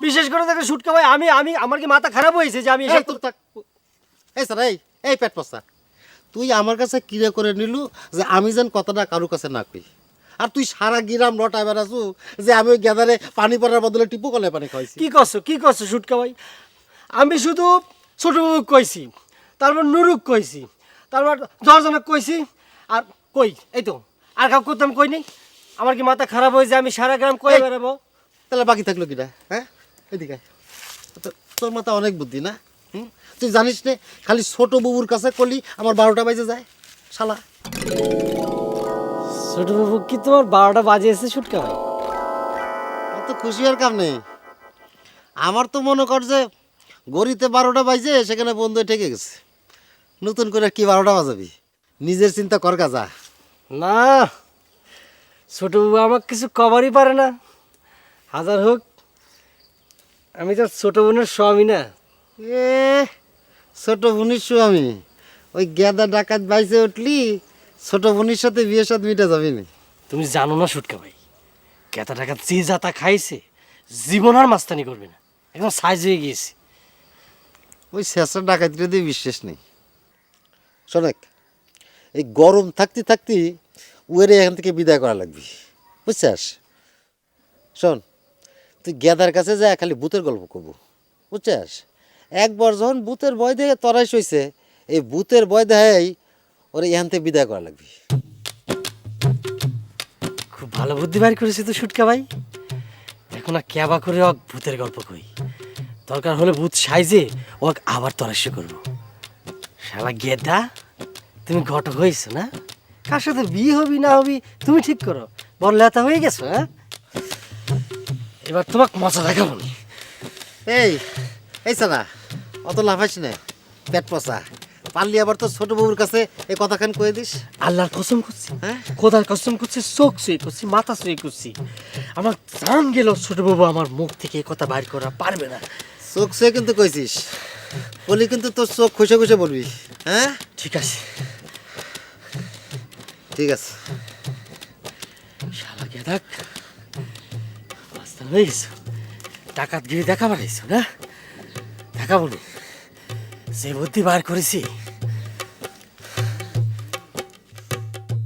বিশেষ করে দেখেন সুটকা ভাই, আমি আমি আমার কি মাথা খারাপ হয়েছে যে আমি এসব এই স্যার এই পেট পচা, তুই আমার কাছে কিরে করে নিলু যে আমি যেন কথাটা কারো কাছে না কই, আর তুই সারা গিরাম লটায় বেড়াছু যে আমি ওই গ্যাদারে পানি পড়ার বদলে টিপু কলে পানি খাইছি। কি করছো সুটকা ভাই? আমি শুধু ছোট বাবুক কইছি, তারপর নুরুক কইছি, তারপর 10 জনক কইছি, আর কই এই তো আর কাউ করতাম কই নেই। আমার কি মাথা খারাপ হয়েছে আমি সারা গ্রাম কয়ে বেড়াবো? তাহলে বাকি থাকলো কিটা? হ্যাঁ, এদিকে আয়। তোর মাথা অনেক বুদ্ধি না? তুই জানিস নে খালি ছোট বাবুর কাছে করলি আমার 12টা বাজে যায় শালা। ছোট বাবু কি তোমার 12টা বাজে এসে সুটকা ভাই? অত খুশি আর কাম নেই। আমার তো মনে কর যে গড়িতে 12টা বাজে সেখানে বন্ধু ঠেকে গেছে, নতুন করে কি 12টা বাজাবি? নিজের চিন্তা কর কাজা। না, ছোট বাবু আমাকে কিছু কভারই পারে না। হাজার হোক আমি তো ছোট বোনের স্বামী না। এ ছোট বোনির স্বামী, ওই গেদা ডাকাত বাইসে উঠলি ছোট বোনির সাথে বিয়ে সাথে মিটে যাবি না। তুমি জানো না সুটকা ভাই, কেতা টাকা যে যাতা খাইছে জীবন আর মাস্তানি করবে না, একদম সাইজ হয়ে গিয়েছে। ওই শেষা ডাকাতিটা দিয়ে বিশ্বাস নেই। শোনেক, এই গরম থাকতে থাকতে উয়েরে এখান থেকে বিদায় করা লাগবে, বুঝছাস? শোন, তুই গেদার কাছে যা খালি ভূতের গল্প করবো, বুঝছাস? একবার যখন ভূতের ভয় দেখে তরাই সইছে, এই ভূতের ভয় দেখাই ওরে এখান থেকে বিদায় করা লাগবে। খুব ভালো বুদ্ধি বাইর করেছে তো সুটকা ভাই। এখন আর ক্যাবা করে ওক ভূতের গল্প কই, দরকার হলে ভূত সাইজে ওক আবার তরাস্য করবো। শালা গেদা, তুমি ঘটক হয়েছো না? কার সাথে বিয়ে হবি না হবি তুমি ঠিক করো, বড় লেতা হয়ে গেছো। হ্যাঁ, এবার তোমাকে মজা দেখাবো নি। এই এই সালা, অত লাফাইস না, পেট পচা। পারলি আবার তো ছোট বউর কাছে এই কথাখান কয়ে দিস। আল্লাহর কসম করছি, হ্যাঁ? খোদার কসম করছি, চোখ শুয়ে করছি, মাথা শুয়ে করছি, আমার জান গেল ছোট বাবু আমার মুখ থেকে এই কথা বাইর করা পারবে না। চোখ সে কিন্তু কইছিস, বলি কিন্তু তোর চোখ খুশে খুশে বলবি। হ্যাঁ, ঠিক আছে। ঠিক আছে। শালা গেদাক, মাস্তান হয়ে গেছো, ডাকাতগিরি দেখাবার এসো না? দেখাবো না, যে বুদ্ধি বার করেছি